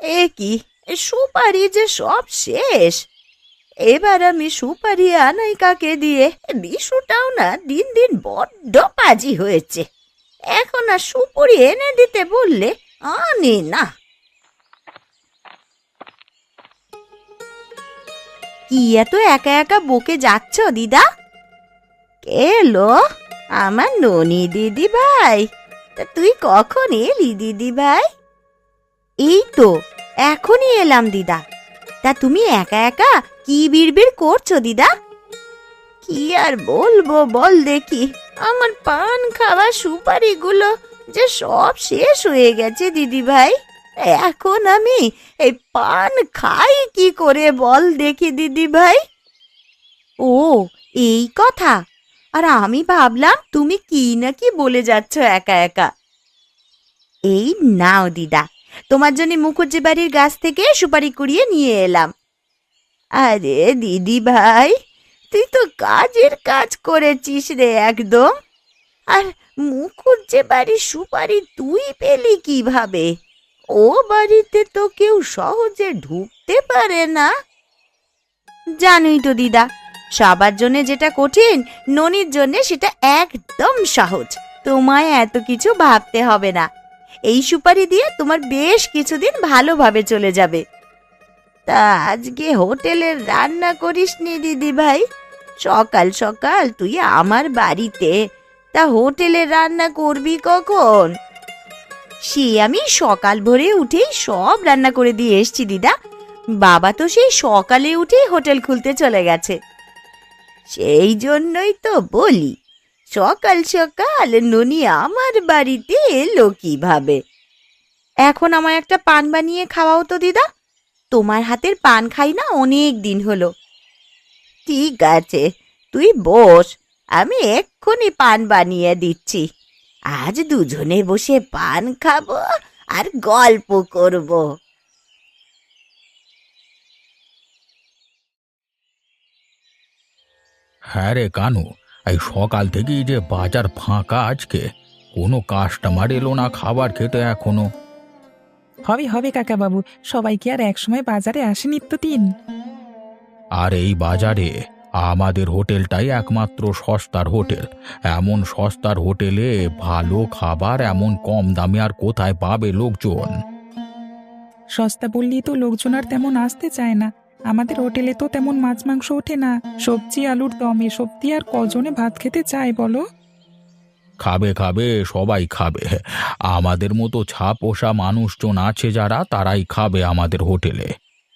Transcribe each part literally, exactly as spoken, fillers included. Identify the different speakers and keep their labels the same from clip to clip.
Speaker 1: এ কি, সুপারি যে সব শেষ। এবার আমি সুপারি আনাই কাকে দিয়ে? বিশুটাও না দিন দিন বড্ড পাজি হয়েছে। এখন আর সুপুরি এনে দিতে বললে আনে না। কি এত একা একা বকে যাচ্ছ দিদা? কে এলো? আমার ননি দিদি ভাই। তা তুই কখন এলি দিদি ভাই? এই তো এখনই এলাম দিদা। তা তুমি একা একা কি বিড়বিড় করছো দিদা? কি আর বলবো বল দেখি, আমার পান খাওয়া সুপারিগুলো যে সব শেষ হয়ে গেছে দিদি ভাই। এখন আমি এই পান খাই কি করে বল দেখি দিদি ভাই? ও এই কথা, আর আমি ভাবলাম তুমি কি না কি বলে যাচ্ছ একা একা। এই নাও দিদা, তোমার জন্য মুখুজ্জি বাড়ির গাছ থেকে সুপারি কুড়িয়ে নিয়ে এলাম। আরে দিদি ভাই, তুই তো কাজের কাজ করেছিস রে একদম। আর মুখুজ্জি বাড়ির সুপারি তুই পেলি কিভাবে? ও বাড়িতে তো কেউ সহজে ঢুকতে পারে না। জানোই তো দিদা, সবার জন্য যেটা কঠিন ননির জন্য সেটা একদম সহজ। তোমায় এত কিছু ভাবতে হবে না। এই সুপারি দিয়ে তোমার বেশ কিছুদিন ভালোভাবে চলে যাবে। তা আজকে হোটেলের রান্না করিসনি দিদি ভাই? সকাল সকাল তুই আমার বাড়িতে, তা হোটেলের রান্না করবি কখন? সে আমি সকাল ভোরে উঠেই সব রান্না করে দিয়ে এসছি দিদা। বাবা তো সেই সকালে উঠেই হোটেল খুলতে চলে গেছে। সেই জন্যই তো বলি, সকাল সকাল ননি আমার বাড়িতে এলো কিভাবে? এখন আমায় একটা পান বানিয়ে খাওয়াও তো দিদা। তোমার হাতের পান খাই না অনেক দিন হলো। ঠিক আছে, তুই বস, আমি এক্ষুনি পান বানিয়ে দিচ্ছি। আজ দুজনে বসে পান খাবো আর গল্প করব।
Speaker 2: হ্যাঁ রে কানু, এই সকাল থেকেই যে বাজার ফাঁকা আজকে, কোনো কাস্টমার এলো না খাবার খেতে এখনো।
Speaker 3: হবে হবে কাকাবাবু, সবাই কি আর একসময় বাজারে আসে নিত্যদিন?
Speaker 2: আর এই বাজারে আমাদের হোটেলটাই একমাত্র সস্তার হোটেল। এমন সস্তার হোটেলে ভালো খাবার এমন কম দামে আর কোথায় পাবে লোকজন?
Speaker 3: সস্তা বললেই তো লোকজন আর তেমন আসতে চায় না। আমাদের হোটেলে তো তেমন মাছ মাংস ওঠে না, সবজি আলুর দম এসব দিয়ে আর কজনে ভাত খেতে চায় বলো?
Speaker 2: খাবে খাবে, সবাই খাবে। আমাদের মতো ছা পোষা মানুষজন আছে যারা, তারাই খাবে আমাদের হোটেলে।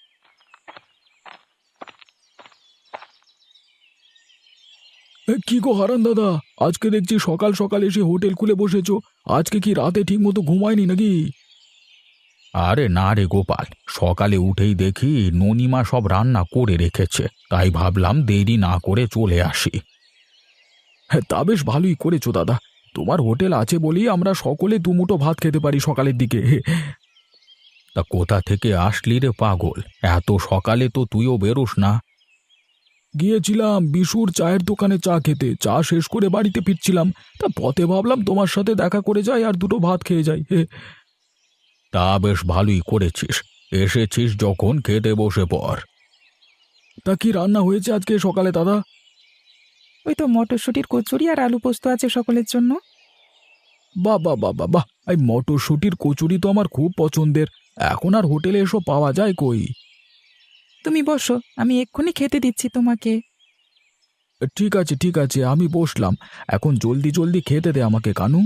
Speaker 2: কি গো হারান দাদা, আজকে দেখছি সকাল সকাল এসে হোটেল খুলে বসেছো। আজকে কি রাতে ঠিক মতো ঘুমায়নি নাকি? আরে না রে গোপাল, সকালে উঠেই দেখি ননিমা সব রান্না করে রেখেছে, তাই ভাবলাম দেরি না করে চলে আসি। হ্যাঁ, তা বেশ ভালোই করেছো দাদা। তোমার হোটেল আছে বলেই আমরা সকলে দুমুঠো ভাত খেতে পারি সকালের দিকে। তা কোথা থেকে আসলি রে পাগল? এত সকালে তো তুইও বেরোস না। গিয়েছিলাম বিশুর চায়ের দোকানে চা খেতে, চা শেষ করে বাড়িতে ফিরছিলাম। তা পথে ভাবলাম তোমার সাথে দেখা করে যাই আর দুটো ভাত খেয়ে যাই। তা বেশ ভালোই করেছিস, এসেছিস যখন খেতে বসে পড়। তা কি রান্না হয়েছে আজকে সকালে দাদা?
Speaker 3: ওই তো মটরশুঁটির কচুরি আর আলু পোস্ত আছে সকলের জন্য।
Speaker 2: বাহ বাহ বাহ বাহ বাহ, এই মটরশুঁটির কচুরি তো আমার খুব পছন্দের। এখন আর হোটেলে এসব পাওয়া যায় কই?
Speaker 3: তুমি বসো, আমি এক্ষুনি খেতে দিচ্ছি তোমাকে।
Speaker 2: ঠিক আছে ঠিক আছে, আমি বসলাম। এখন জলদি জলদি খেতে দে আমাকে কানু।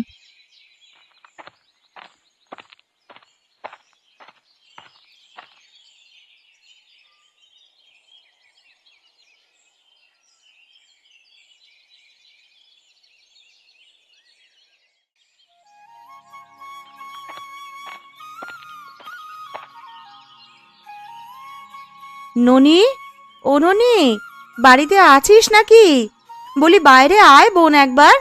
Speaker 1: ননি, ও ননি, বাড়িতে আছিস নাকি? বলি বাইরে আয় বোন একবার।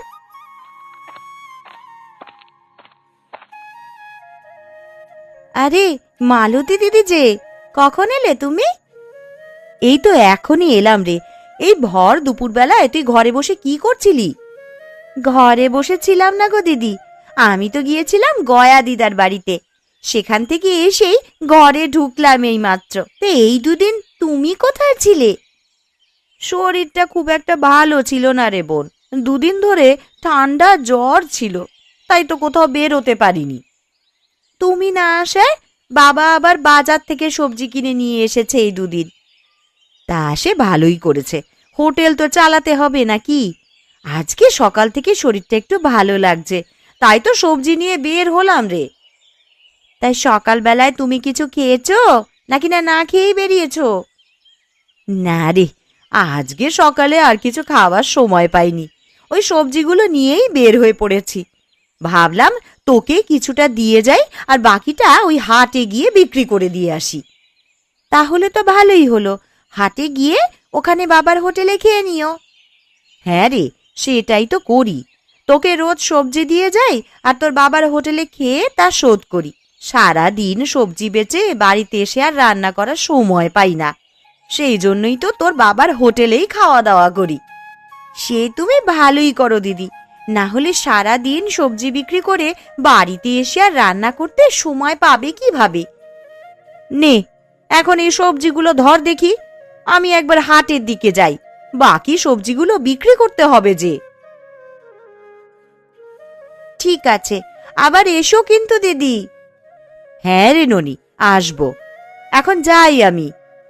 Speaker 1: আরে মালতী দিদি যে, কখন এলে তুমি? এই তো এখনই এলাম রে। এই ভর দুপুরবেলায় তুই ঘরে বসে কি করছিলি? ঘরে বসেছিলাম না গো দিদি, আমি তো গিয়েছিলাম গয়া দিদার বাড়িতে। সেখান থেকে এসেই ঘরে ঢুকলাম এই মাত্র। তো এই দুদিন তুমি কোথায় ছিলে? শরীরটা খুব একটা ভালো ছিল না রে বোন, দুদিন ধরে ঠান্ডা জ্বর ছিল, তাই তো কোথাও বের হতে পারিনি। তুমি না আসায় বাবা আবার বাজার থেকে সবজি কিনে নিয়ে এসেছে এই দুদিন। তা সে ভালোই করেছে, হোটেল তো চালাতে হবে নাকি। আজকে সকাল থেকে শরীরটা একটু ভালো লাগছে, তাই তো সবজি নিয়ে বের হলাম রে। তাই সকালবেলায় তুমি কিছু খেয়েছো নাকি না না খেয়েই বেরিয়েছো? না রে, আজকে সকালে আর কিছু খাওয়ার সময় পাইনি, ওই সবজিগুলো নিয়েই বের হয়ে পড়েছি। ভাবলাম তোকে কিছুটা দিয়ে যাই আর বাকিটা ওই হাটে গিয়ে বিক্রি করে দিয়ে আসি। তাহলে তো ভালোই হলো, হাটে গিয়ে ওখানে বাবার হোটেলে খেয়ে নিও। হ্যাঁ রে, সেটাই তো করি, তোকে রোজ সবজি দিয়ে যাই আর তোর বাবার হোটেলে খেয়ে তা শোধ করি। সারা দিন সবজি বেচে বাড়িতে এসে আর রান্না করার সময় পাই না, সেই জন্যই তো তোর বাবার হোটেলেই খাওয়া দাওয়া করি। সে তুমি ভালোই করো দিদি, না হলে সারা দিন সবজি বিক্রি করে বাড়িতে এসে আর রান্না করতে সময় পাবে কিভাবে? নে এখন এই সবজিগুলো ধর দেখি, আমি একবার হাটের দিকে যাই, বাকি সবজিগুলো বিক্রি করতে হবে যে। ঠিক আছে, আবার এসো কিন্তু দিদি। হ্যাঁ রে ননি, আসবো, এখন যাই আমি।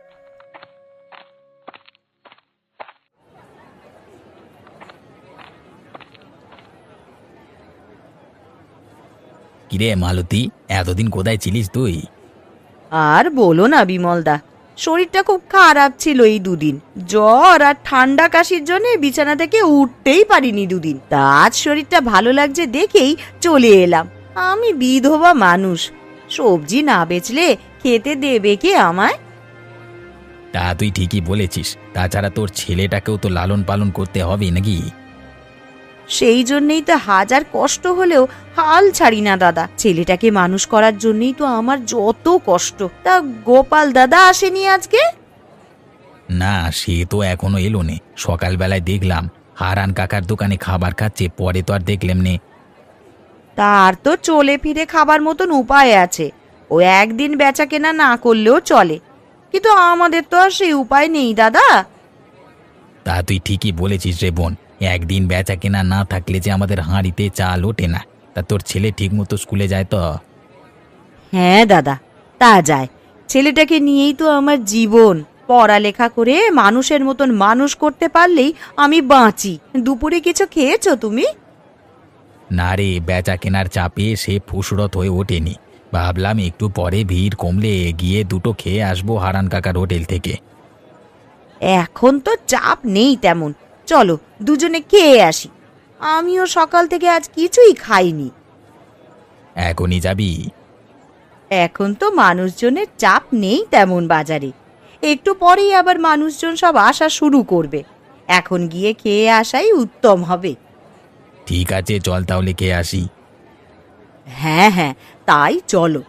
Speaker 2: কিরে মালতী, এতদিন কোথায় ছিলিস তুই?
Speaker 1: আর বলো না বিমলদা, শরীরটা খুব খারাপ ছিল এই দুদিন, জ্বর আর ঠান্ডা কাশির জন্য বিছানা থেকে উঠতেই পারিনি দুদিন। তা আজ শরীরটা ভালো লাগছে দেখেই চলে এলাম। আমি বিধবা মানুষ, সবজি না বেচলে খেতে দেবে কে আমায়?
Speaker 2: তা তুই ঠিকই বলেছিস, তাছাড়া তোর ছেলেটাকেও তো লালন পালন করতে হবে নাকি?
Speaker 1: সেই জন্যই তো হাজার কষ্ট হলেও হাল ছাড়ি না দাদা, ছেলেটাকে মানুষ করার জন্যই তো আমার যত কষ্ট। তা গোপাল দাদা আসেনি আজকে?
Speaker 2: না, সে তো এখনো এলো নে। সকালবেলায় দেখলাম হারান কাকার দোকানে খাবার খাচ্ছে, পরে তো আর দেখলাম নে।
Speaker 1: তার তো চলে ফিরে খাবার মতন উপায় আছে, ও একদিন বেচা কেনা না করলেও চলে, কিন্তু আমাদের তো আর সেই উপায় নেই দাদা।
Speaker 2: তা তুই ঠিকই বলেছিস রে বোন, একদিন বেচা কেনা না থাকলে যে আমাদের হাঁড়িতে চাল ওঠে না। তা তোর ছেলে ঠিক মতো স্কুলে যায় তো?
Speaker 1: হ্যাঁ দাদা, তা যায়, ছেলেটাকে নিয়েই তো আমার জীবন। পড়ালেখা করে মানুষের মতন মানুষ করতে পারলেই আমি বাঁচি। দুপুরে কিছু খেয়েছো তুমি?
Speaker 2: না রে, বেচা কেনার চাপে সে ফুসরত হয়ে ওঠেনি। ভাবলাম একটু পরে ভিড় কমলে গিয়ে দুটো খেয়ে আসবো হারান কাকার হোটেল থেকে।
Speaker 1: এখন তো চাপ নেই তেমন, চলো দুজনে খেয়ে আসি। আমিও সকাল থেকে আজ কিছুই খাইনি।
Speaker 2: এখনই যাবি?
Speaker 1: এখন তো মানুষজনের চাপ নেই তেমন বাজারে, একটু পরেই আবার মানুষজন সব আসা শুরু করবে, এখন গিয়ে খেয়ে আসাই উত্তম হবে।
Speaker 2: ঠিক আছে, চল তাহলে খেয়ে আসি।
Speaker 1: হ্যাঁ হ্যাঁ, তাই চলো।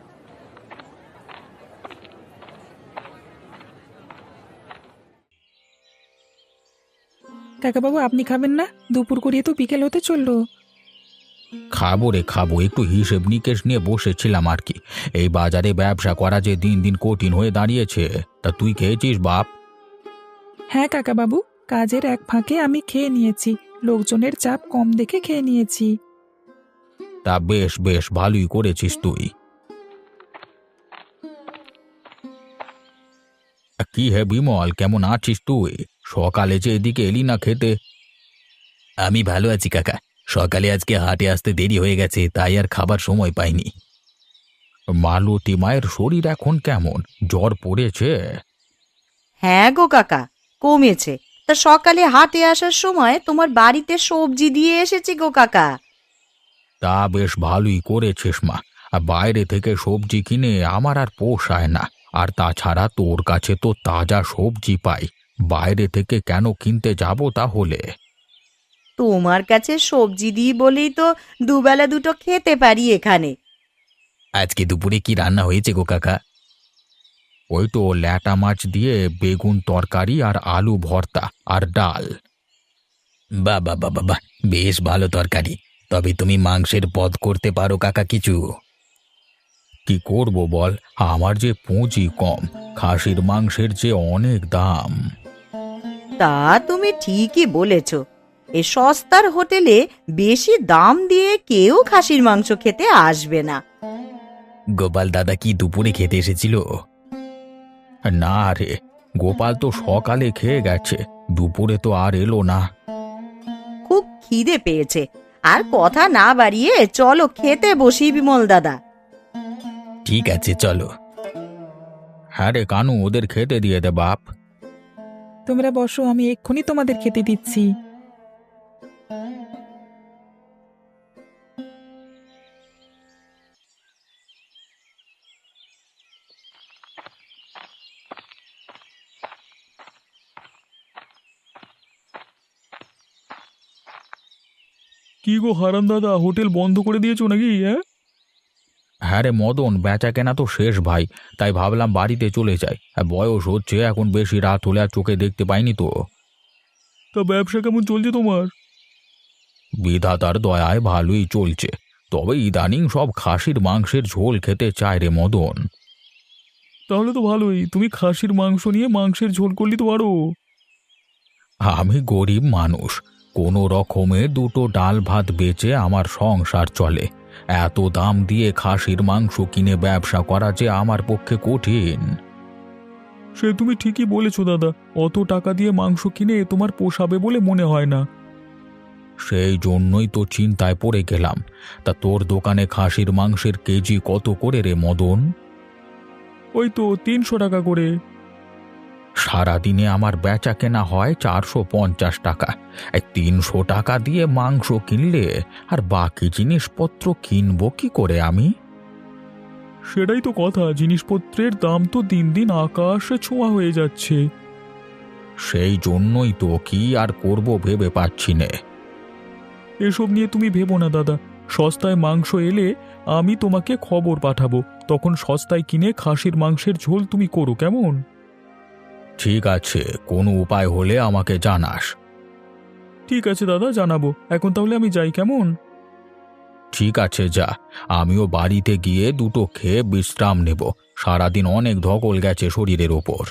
Speaker 3: কাকাবাবু, আপনি খাবেন না? দুপুর করিয়ে তো বিকেল হতে চললো।
Speaker 2: খাবো রে খাবো, একটু হিসেব নিকেশ নিয়ে বসেছিলাম আর কি। এই বাজারে ব্যবসা করা যে দিন দিন কঠিন হয়ে দাঁড়িয়েছে। তা তুই খেয়েছিস বাপ?
Speaker 3: হ্যাঁ কাকাবাবু, কাজের এক ফাঁকে আমি খেয়ে নিয়েছি, লোকজনের চাপ কম দেখে খেয়ে নিয়েছি।
Speaker 2: তা বেশ বেশ, ভালোই করেছিস তুই। কি হে বিমল, কেমন আছিস তুই? সকালে যে এদিকে এলি না খেতে। আমি ভালো আছি কাকা, সকালে আজকে হাটে আসতে দেরি হয়ে গেছে, তাই আর খাবার সময় পাইনি। মালতী মায়ের শরীর এখন কেমন? জ্বর পড়েছে?
Speaker 1: হ্যাঁ গো কাকা, কমেছে। তা সকালে হাটে আসার সময় তোমার বাড়িতে সবজি দিয়ে এসেছি গো কাকা।
Speaker 2: তা বেশ ভালোই করেছিস মা। আর বাইরে থেকে সবজি কিনে আমার আর পোষায় না। আর তাছাড়া তোর কাছে তো তাজা সবজি পাই, বাইরে থেকে কেন কিনতে যাব তাহলে?
Speaker 1: তোমার কাছে সবজি দিই বলেই তো দুবেলা দুটো খেতে পারি এখানে।
Speaker 2: আজকে দুপুরে কি রান্না হয়েছে গো কাকা? ওই তো ল্যাটা মাছ দিয়ে বেগুন তরকারি আর আলু ভর্তা আর ডাল। বাবা বাবা বাহ, বেশ ভালো তরকারি। তবে তুমি মাংসের পদ করতে পারো কাকা কিছু? কি করব বল, আমার যে পুঁজি কম, খাসির মাংসের যে অনেক দাম।
Speaker 1: তা তুমি ঠিকই বলেছ। এ সস্তার হোটেলে বেশি দাম দিয়ে কেউ খাসির মাংস খেতে আসবে না।
Speaker 2: গোপাল দাদা কি দুপুরে খেতে এসেছিল? না রে, গোপাল তো সকালে খেয়ে গেছে, দুপুরে তো আর এলো না।
Speaker 1: খুব খিদে পেয়েছে, আর কথা না বাড়িয়ে চলো খেতে বসি বিমল দাদা।
Speaker 2: ঠিক আছে চলো। হ্যাঁ রে কানু, ওদের খেতে দিয়ে দে বাপ।
Speaker 3: তোমরা বসো, আমি এক্ষুনি তোমাদের খেতে দিচ্ছি।
Speaker 2: কি গো হারান দাদা, হোটেল বন্ধ করে দিয়েছো নাকি? হ্যাঁ হ্যাঁ রে মদন, বেচা কেনা তো শেষ ভাই, তাই ভাবলাম বাড়িতে চলে যাই। আর বয়স হচ্ছে, এখন বেশি রাত হলে আর চোখে দেখতে পাইনি তো। তা ব্যবসা কেমন চলছে তোমার? বিধাতার দয়ায় ভালোই চলছে, তবে ইদানিং সব খাসির মাংসের ঝোল খেতে চায় রে মদন। তাহলে তো ভালোই, তুমি খাসির মাংস নিয়ে মাংসের ঝোল করলি তো আরো। আমি গরিব মানুষ, কোনো রকমে দুটো ডাল ভাত বেচে আমার সংসার চলে। এত দাম দিয়ে খাসির মাংস কিনে ব্যবসা করা যে আমার পক্ষে কঠিন। সে তুমি ঠিকই বলেছো দাদা, অত টাকা দিয়ে মাংস কিনে তোমার পোষাবে বলে মনে হয় না। সেই জন্যই তো চিন্তায় পড়ে গেলাম। তা তোর দোকানে খাসির মাংসের কেজি কত করে রে মদন? ওই তো তিনশো টাকা করে। সারাদিনে আমার বেচা কেনা হয় চারশো পঞ্চাশ টাকা। এই তিনশো টাকা দিয়ে মাংস কিনলে আর বাকি জিনিসপত্র কিনবো কি করে আমি? সেটাই তো কথা, জিনিসপত্রের দাম তো দিন দিন আকাশে ছোঁয়া হয়ে যাচ্ছে। সেই জন্যই তো কি আর করব ভেবে পাচ্ছি নে। এসব নিয়ে তুমি ভেবো না দাদা, সস্তায় মাংস এলে আমি তোমাকে খবর পাঠাবো, তখন সস্তায় কিনে খাসির মাংসের ঝোল তুমি করো, কেমন? ঠিক আছে, কোনো উপায় হলে আমাকে জানাস। ঠিক আছে দাদা, জানাবো। এখন তাহলে আমি যাই, কেমন? ঠিক আছে যা, আমিও বাড়িতে গিয়ে দুটো খেয়ে বিশ্রাম নেব। সারাদিন অনেক ধকল গেছে শরীরের ওপর।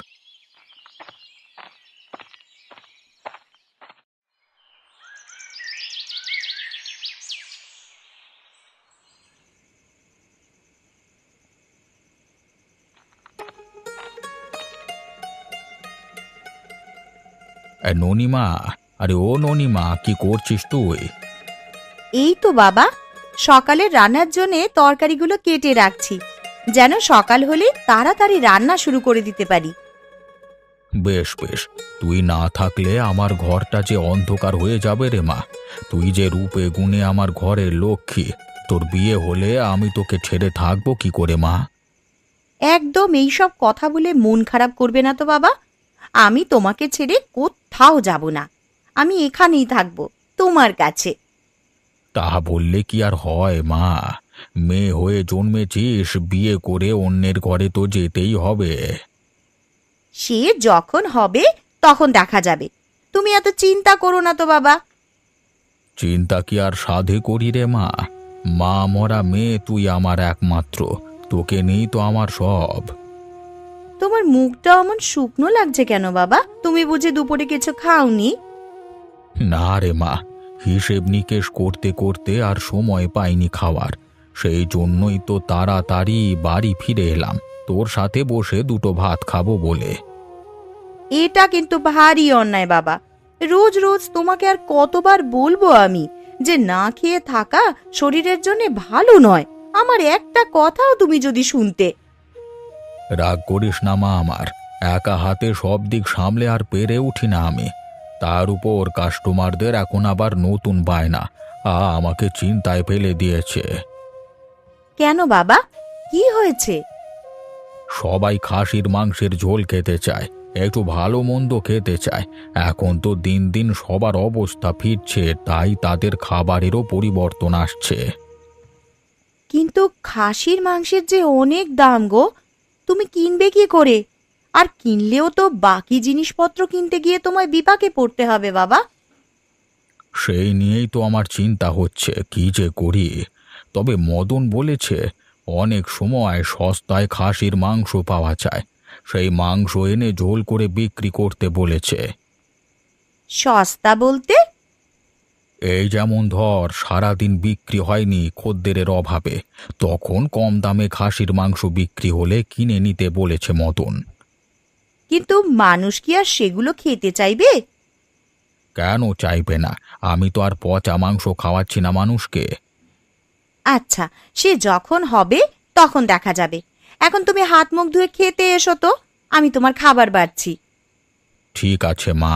Speaker 2: ননিমা, আরে ও ননিমা, কি করছিস তুই?
Speaker 1: এই তো বাবা, সকালে রান্নার জন্যে তরকারিগুলো কেটে রাখছি, যেন সকাল হলে তাড়াতাড়ি রান্না শুরু করে দিতে পারি।
Speaker 2: বেশ বেশ, তুই না থাকলে আমার ঘরটা যে অন্ধকার হয়ে যাবে রে মা। তুই যে রূপে গুণে আমার ঘরের লক্ষ্মী, তোর বিয়ে হলে আমি তোকে ছেড়ে থাকবো কি করে মা?
Speaker 1: একদম এইসব কথা বলে মন খারাপ করবে না তো বাবা। আমি তোমাকে ছেড়ে কোথাও যাব না, আমি এখানেই থাকবো তোমার কাছে।
Speaker 2: তা বললে কি আর হয় মা? মেয়ে হয়ে জন্মেছিস, বিয়ে করে অন্যের ঘরে তো যেতেই হবে।
Speaker 1: সে যখন হবে তখন দেখা যাবে, তুমি এত চিন্তা করো না তো বাবা।
Speaker 2: চিন্তা কি আর সাধে করি রে মা? মা মরা মেয়ে তুই আমার একমাত্র, তোকে নেই তো আমার সব।
Speaker 1: তোমার মুখটা অমন শুকনো লাগছে কেন বাবা? তুমি বুঝি দুপুরে কিছু খাওনি?
Speaker 2: না রে মা, হিসেব নিকেশ করতে করতে আর সময় পাইনি খাওয়ার। সেই জন্যই তো তাড়াতাড়ি বাড়ি ফিরে এলাম, তোর সাথে বসে দুটো ভাত খাবো বলে।
Speaker 1: এটা কিন্তু ভারী অন্যায় বাবা। রোজ রোজ তোমাকে আর কতবার বলবো আমি যে না খেয়ে থাকা শরীরের জন্য ভালো নয়। আমার একটা কথাও তুমি যদি শুনতে।
Speaker 2: রাগ করিস না মা আমার, একা হাতে সব দিক সামলে আর পেরে উঠি না আমি। তার উপর কাস্টমারদের এখন আবার নতুন বায়না, আ আমাকে চিন্তায় ফেলে দিয়েছে।
Speaker 1: কেন বাবা, কি হয়েছে?
Speaker 2: সবাই খাসির মাংসের ঝোল খেতে চায়, একটু ভালো মন্দ খেতে চায়। এখন তো দিন দিন সবার অবস্থা ফিরছে, তাই তাদের খাবারেরও পরিবর্তন আসছে।
Speaker 1: কিন্তু খাসির মাংসের যে অনেক দাম গো, তুমি কিনবে কি করে? আর কিনলেও তো বাকি জিনিসপত্র কিনতে গিয়ে তোমায় বিপাকে পড়তে হবে বাবা।
Speaker 2: সেই নিয়েই তো আমার চিন্তা হচ্ছে, কি যে করি। তবে মদন বলেছে অনেক সময় সস্তায় খাসির মাংস পাওয়া যায়, সেই মাংস এনে ঝোল করে বিক্রি করতে বলেছে।
Speaker 1: সস্তা বলতে?
Speaker 2: এই যেমন ধর, সারাদিন বিক্রি হয়নি খদ্দেরের অভাবে, তখন কম দামে খাসির মাংস বিক্রি হলে কিনে নিতে বলেছে মদন।
Speaker 1: কিন্তু মানুষ কি আর সেগুলো খেতে চাইবে?
Speaker 2: কেন চাইবে না? আমি তো আর পচা মাংস খাওয়াচ্ছি না মানুষকে।
Speaker 1: আচ্ছা, সে যখন হবে তখন দেখা যাবে। এখন তুমি হাত মুখ ধুয়ে খেতে এসো তো, আমি তোমার খাবার বাড়ছি।
Speaker 2: ঠিক আছে মা।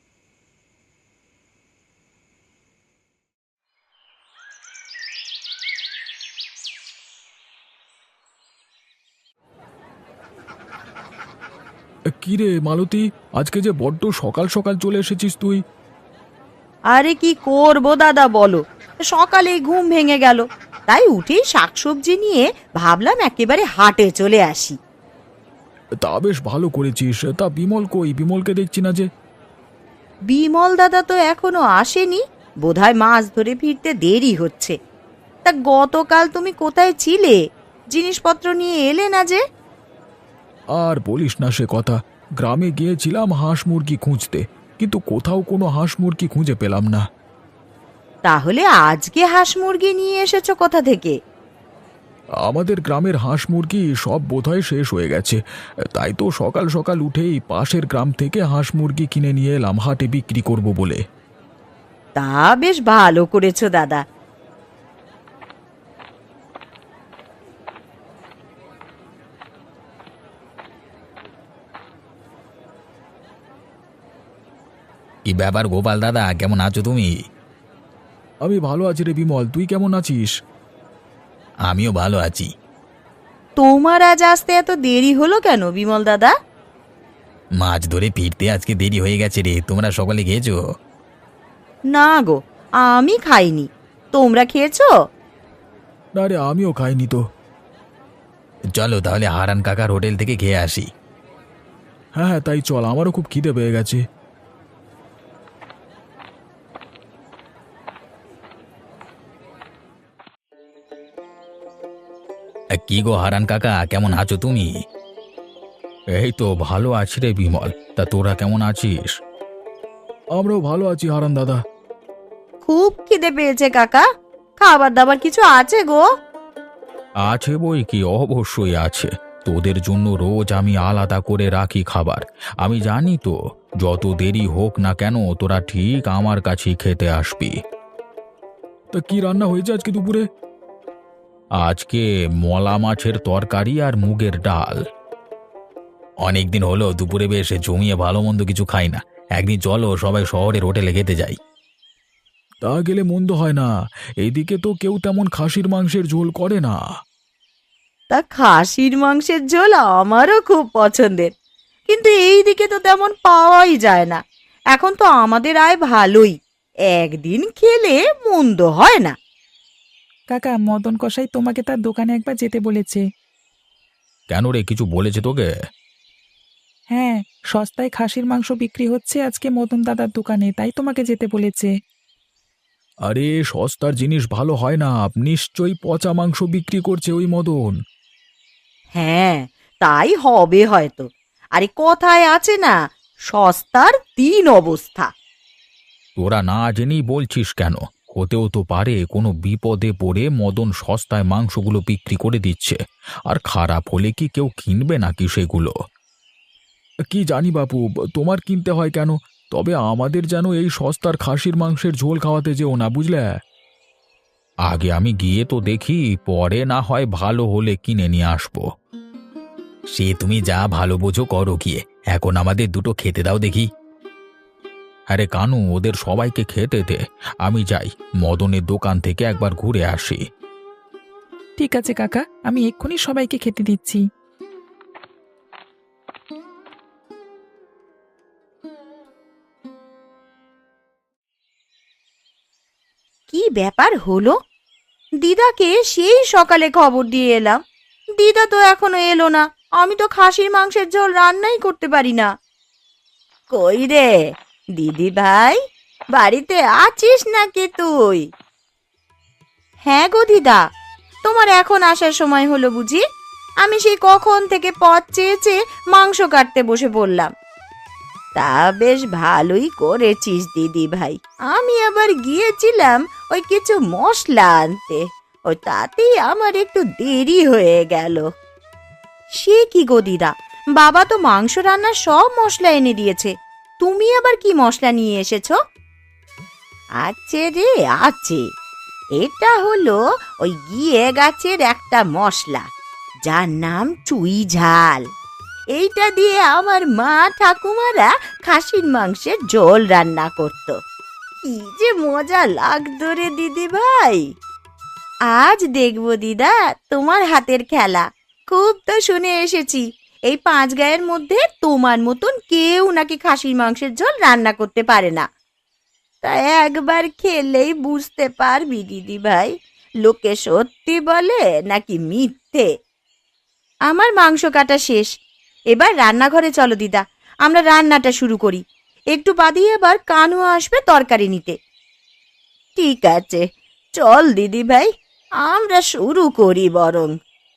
Speaker 2: কিরে মালতী, আজকে যে বড্ড সকাল সকাল চলে এসেছিস তুই?
Speaker 1: আরে কি করবো দাদা বলো, সকালে ঘুম ভেঙে গেল, তাই উঠেই শাকসবজি নিয়ে ভাবলাম একেবারে হাটে চলে আসি।
Speaker 2: তা বেশ ভালো করেছিস। তা বিমল কই? বিমলকে দেখছি না যে।
Speaker 1: বিমল দাদা তো এখনো আসেনি, বোধহয় মাছ ধরে ফিরতে দেরি হচ্ছে। তা গতকাল তুমি কোথায় ছিলে? জিনিসপত্র নিয়ে এলে না যে?
Speaker 2: আর বলিস না সে কথা, গ্রামে গিয়েছিলাম হাঁস মুরগি খুঁজতে, কিন্তু কোথাও কোনো হাঁস মুরগি খুঁজে পেলাম না।
Speaker 1: তাহলে আজকে হাঁস মুরগি নিয়ে এসেছো কোথা থেকে?
Speaker 2: আমাদের গ্রামের হাঁস মুরগি সব বোধহয় শেষ হয়ে গেছে, তাই তো সকাল সকাল উঠেই পাশের গ্রাম থেকে হাঁস মুরগি কিনে নিয়ে এলাম হাটে বিক্রি করব বলে।
Speaker 1: তা বেশ ভালো করেছো দাদা।
Speaker 2: কি ব্যাপার গোপাল দাদা, কেমন আছো তুমি? আমি ভালো আছি রে বিমল, তুই কেমন আছিস? আমিও ভালো আছি।
Speaker 1: তোমার আজ আসতে এত দেরি হলো কেন বিমল দাদা?
Speaker 2: মাছ ধরে ফিরতে আজকে দেরি হয়ে গেছে রে। তোমরা সকালে খেয়েছো?
Speaker 1: না গো, আমি খাইনি। তোমরা খেয়েছো?
Speaker 2: না রে, আমিও খাইনি তো। চলো তাহলে হারান কাকার হোটেল থেকে খেয়ে আসি। হ্যাঁ হ্যাঁ তাই চল, আমারও খুব খিদে পেয়ে গেছে। কি গো হারান কাকা, কেমন আছো তুমি? এই তো ভালো আছি রে বিমল, তা তোরা কেমন আছিস? আমরাও ভালো আছি হারান দাদা।
Speaker 1: খুব খিদে পেয়েছে কাকা, খাবার দাবার কিছু আছে গো?
Speaker 2: আছে বই কি, অবশ্যই আছে। তোদের জন্য রোজ আমি আলাদা করে রাখি খাবার। আমি জানি তো, যত দেরি হোক না কেন তোরা ঠিক আমার কাছেই খেতে আসবি। তা কি রান্না হয়েছে আজকে দুপুরে? আজকে মলা মাছের তরকারি আর মুগের ডাল। অনেকদিন হলো দুপুরে বেশ জমিয়ে ভালো মন্দ কিছু খাই না, একদিন চলো সবাই শহরের হোটেলে খেতে যাই। তা গেলে মন্দ হয় না, এইদিকে তো কেউ তেমন খাসির মাংসের ঝোল করে না।
Speaker 1: তা খাসির মাংসের ঝোল আমারও খুব পছন্দের, কিন্তু এই দিকে তো তেমন পাওয়াই যায় না। এখন তো আমাদের আয় ভালোই, একদিন খেলে মন্দ হয় না।
Speaker 3: কাকা, মদন কসাই তোমাকে তার দোকানে একবার যেতে বলেছে।
Speaker 2: কেন রে, কিছু বলেছে তোকে?
Speaker 3: হ্যাঁ, সস্তায় খাসির মাংস বিক্রি হচ্ছে আজকে মদন দাদার দোকানে, তাই তোমাকে যেতে বলেছে।
Speaker 2: আরে সস্তার জিনিস ভালো হয় না, নিশ্চয়ই পচা মাংস বিক্রি করছে ওই মদন।
Speaker 1: হ্যাঁ, তাই হবে হয়তো। আরে কথায় আছে না, সস্তার তিন অবস্থা।
Speaker 2: তোরা না জেনেই বলছিস কেন? হতেও তো পারে কোনো বিপদে পড়ে মদন সস্তায় মাংসগুলো বিক্রি করে দিচ্ছে, আর খারাপ হলে কি কেউ কিনবে নাকি সেগুলো? কি জানি বাপু, তোমার কিনতে হয় কেন? তবে আমাদের যেন এই সস্তার খাসির মাংসের ঝোল খাওয়াতে যেও না, বুঝলে? আগে আমি গিয়ে তো দেখি, পরে না হয় ভালো হলে কিনে নিয়ে আসবো। সে তুমি যা ভালো বোঝো করো গিয়ে, এখন আমাদের দুটো খেতে দাও দেখি। আরে কানু, ওদের সবাইকে খেতে দে, আমি যাই মদনের দোকান থেকে একবার ঘুরে আসি।
Speaker 3: ঠিক আছে কাকা, আমি এক্ষুনি সবাইকে খেতে দিচ্ছি।
Speaker 1: কি ব্যাপার হলো? দিদাকে সেই সকালে খবর দিয়ে এলাম, দিদা তো এখনো এলো না। আমি তো খাসির মাংসের ঝোল রান্নাই করতে পারি না। কই রে দিদি ভাই, বাড়িতে আছিস নাকি তুই? হ্যাঁ গো দিদা, তোমার এখন আসার সময় হলো বুঝি? আমি সেই কখন থেকে পথ চেয়ে চেয়ে মাংস কাটতে বসে পড়লাম। তা বেশ ভালোই করেছিস দিদি ভাই। আমি আবার গিয়েছিলাম ওই কিছু মশলা আনতে, ওই তাতেই আমার একটু দেরি হয়ে গেল। সে কি গো দিদা, বাবা তো মাংস রান্নার সব মশলা এনে দিয়েছে, তুমি আবার কি মশলা নিয়ে এসেছো? আছে রে আছে, এটা হলো ওই গিয়ে গাছের একটা মশলা, যার নাম চুই ঝাল। এইটা দিয়ে আমার মা ঠাকুমারা খাসির মাংসের ঝোল রান্না করত। কি যে মজা লাগতো রে দিদি ভাই। আজ দেখবো দিদা তোমার হাতের খেলা। খুব তো শুনে এসেছি এই পাঁচ গায়ের মধ্যে তোমার মতন কেউ নাকি খাসির মাংসের ঝোল রান্না করতে পারে না। তা একবার খেলেই বুঝতে পারবি দিদি ভাই, লোকে সত্যি বলে নাকি মিথ্যে। আমার মাংস কাটা শেষ, এবার রান্নাঘরে চলো দিদা, আমরা রান্নাটা শুরু করি। একটু বাদেই এবার কানু আসবে তরকারি নিতে। ঠিক আছে, চল দিদি ভাই, আমরা শুরু করি বরং।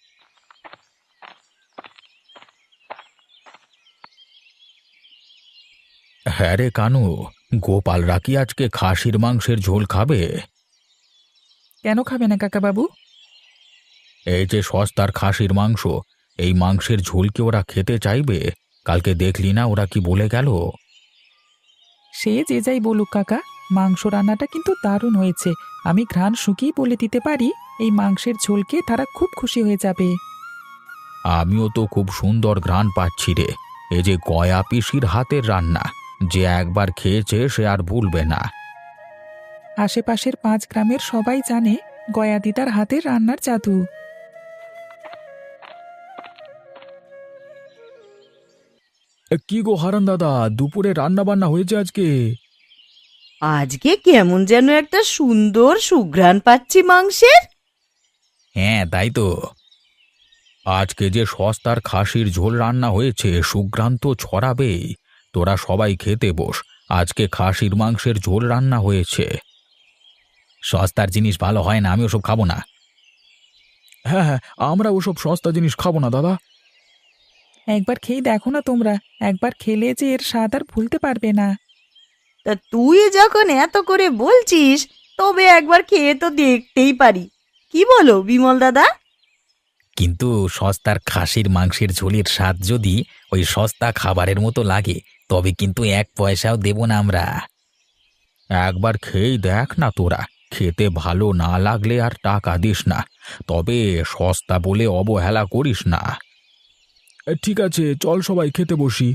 Speaker 2: হ্যাঁ রে কানু, গোপালরা কি আজকে খাসির মাংসের ঝোল খাবে?
Speaker 3: কেন খাবে না কাকাবাবু?
Speaker 2: এই যে সস্তার খাসির মাংস, এই মাংসের ঝোল কি ওরা খেতে চাইবে? কালকে দেখলি না ওরা কি বলে গেল?
Speaker 3: সে যে যাই বলুক কাকা, মাংস রান্নাটা কিন্তু দারুণ হয়েছে। আমি ঘ্রাণ শুকিয়ে বলে দিতে পারি এই মাংসের ঝোলকে তারা খুব খুশি হয়ে যাবে।
Speaker 2: আমিও তো খুব সুন্দর ঘ্রাণ পাচ্ছি রে। এই যে গয়া পিসির হাতের রান্না, যে একবার খেয়েছে সে আর ভুলবে না।
Speaker 3: আশেপাশের পাঁচ গ্রামের সবাই জানে গয়া দিদার হাতের রান্নার জাদু।
Speaker 2: কি গো হারান দাদা, দুপুরে রান্না বান্না হয়েছে আজকে?
Speaker 1: আজকে কেমন যেন একটা সুন্দর সুঘ্রাণ পাচ্ছি মাংসের।
Speaker 2: হ্যাঁ তাই তো, আজকে যে সস্তার খাসির ঝোল রান্না হয়েছে, সুঘ্রাণ তো ছড়াবেই। তোরা সবাই খেতে বস, আজকে খাসির মাংসের ঝোল রান্না হয়েছে। সস্তার জিনিস ভালো হয় না, আমি ওসব খাবো না। হ্যাঁ হ্যাঁ, আমরা ওসব সস্তা জিনিস খাবো না দাদা।
Speaker 3: একবার খেয়ে দেখো না তোমরা, একবার খেলে যে এর স্বাদ আর ভুলতে পারবে না।
Speaker 1: তা তুই যখন এত করে বলছিস, তবে একবার খেয়ে তো দেখতেই পারি। কি বলো বিমল দাদা?
Speaker 2: কিন্তু সস্তার খাসির মাংসের ঝোলের স্বাদ যদি ওই সস্তা খাবারের মতো লাগে, তবে কিন্তু এক পয়সাও দেব না আমরা। একবার খেয়েই দেখ না তোরা, খেতে ভালো না লাগলে আর টাকা দিস না, তবে সস্তা বলে অবহেলা করিস না। ঠিক আছে, চল সবাই খেতে বসি।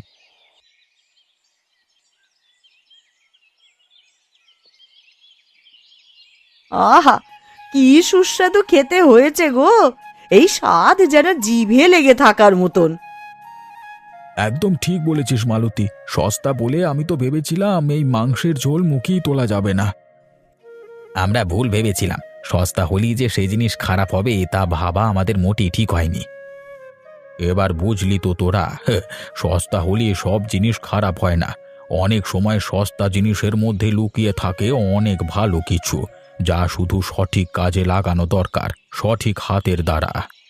Speaker 1: আহা, কি সুস্বাদু খেতে হয়েছে গো। এই স্বাদ যেন জিভে লেগে থাকার মতন।
Speaker 2: একদম ঠিক বলেছিস মালতী, সস্তা বলে আমি তো ভেবেছিলাম এই মাংসের ঝোল মুখেই তোলা যাবে না। আমরা ভুল ভেবেছিলাম, সস্তা হলেই যে সেই জিনিস খারাপ হবে তা ভাবা আমাদের মোটেই ঠিক হয়নি। এবার বুঝলি তো তোরা, সস্তা হলে সব জিনিস খারাপ হয় না। অনেক সময় সস্তা জিনিসের মধ্যে লুকিয়ে থাকে অনেক ভালো কিছু, যা শুধু সঠিক কাজে লাগানো দরকার, সঠিক হাতের দ্বারা।